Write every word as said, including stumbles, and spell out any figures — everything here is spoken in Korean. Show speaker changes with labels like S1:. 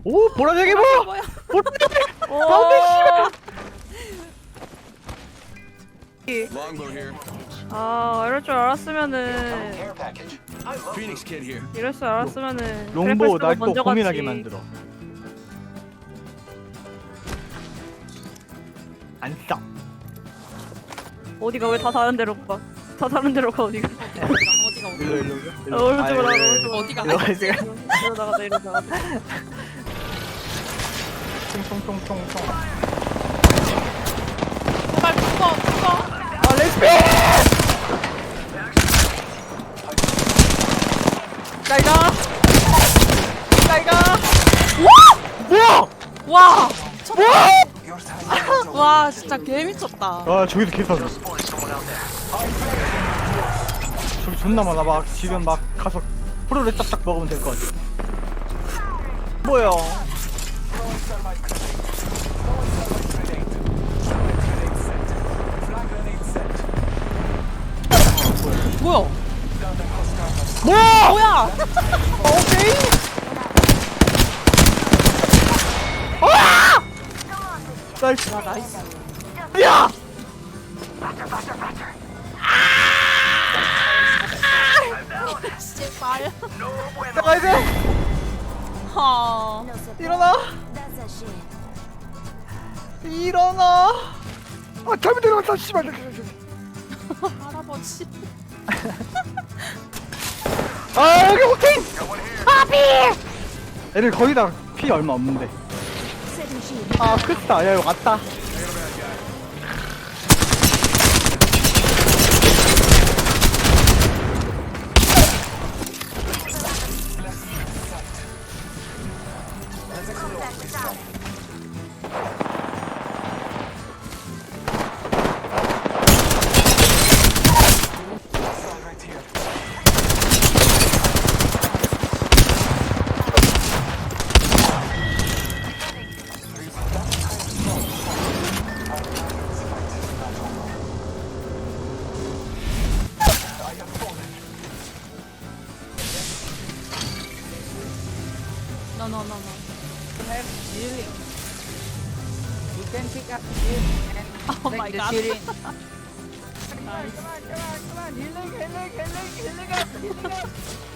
S1: 오 보라색이 뭐?
S2: 뭐야?
S1: 보라색.
S2: 오.
S3: Longbow here.
S2: 아 이럴 줄 알았으면은
S4: Care package. I love
S3: Phoenix kid here.
S2: 이럴 줄 알았으면은
S1: 롱보
S2: 그래플
S1: 날
S2: 쓰고
S1: 또
S2: 먼저
S1: 고민하게
S2: 갔지.
S1: 만들어. 안 싸.
S2: 어디가 왜 다 다른 데로 가? 다 다른 데로 가 어디가?
S5: 어디가 어디가 어디가
S1: 일로 일로 일로.
S2: 어, 오른쪽으로
S1: 아,
S2: 나가
S1: 예, 예.
S2: 오른쪽으로.
S5: 어디가
S1: 일로 가세요.
S2: 이리로 나가자 이리로 나가자.
S1: 총총총총총.
S5: 제발 죽어 죽어.
S1: 아 레스피!
S5: 날가 날가.
S1: 뭐야?
S5: 와 미쳤다.
S4: your time is over.
S5: 와 진짜 개 미쳤다.
S1: 아 저기서 개사네.
S4: Boy, someone out there.
S1: 저기 존나 많아. 막 지금 막 가서 프로를 딱딱 먹으면 될 것 같아. 뭐야?
S5: 뭐야?
S1: 뭐야?
S5: 뭐야?
S1: 오케이. 나이스.
S5: 야 나이스.
S1: 야!
S5: 제발.
S1: 나가야 돼.
S5: 하.
S1: 일어나. 일어나. 아 잘못 일어났다. 씨발.
S5: 할아버지.
S1: 아 여기 오케이. 파비. 애들 거의 다 피 얼마 없는데. 아 크다. 야 여기 왔다.
S4: Right here.
S5: No no no no.
S6: Have healing. You can pick up heal and
S5: Oh
S6: take
S5: my
S6: the
S5: God.
S6: healing.
S5: Nice.
S6: Come on, come on, come on. Healing, healing, healing, healing up, healing up.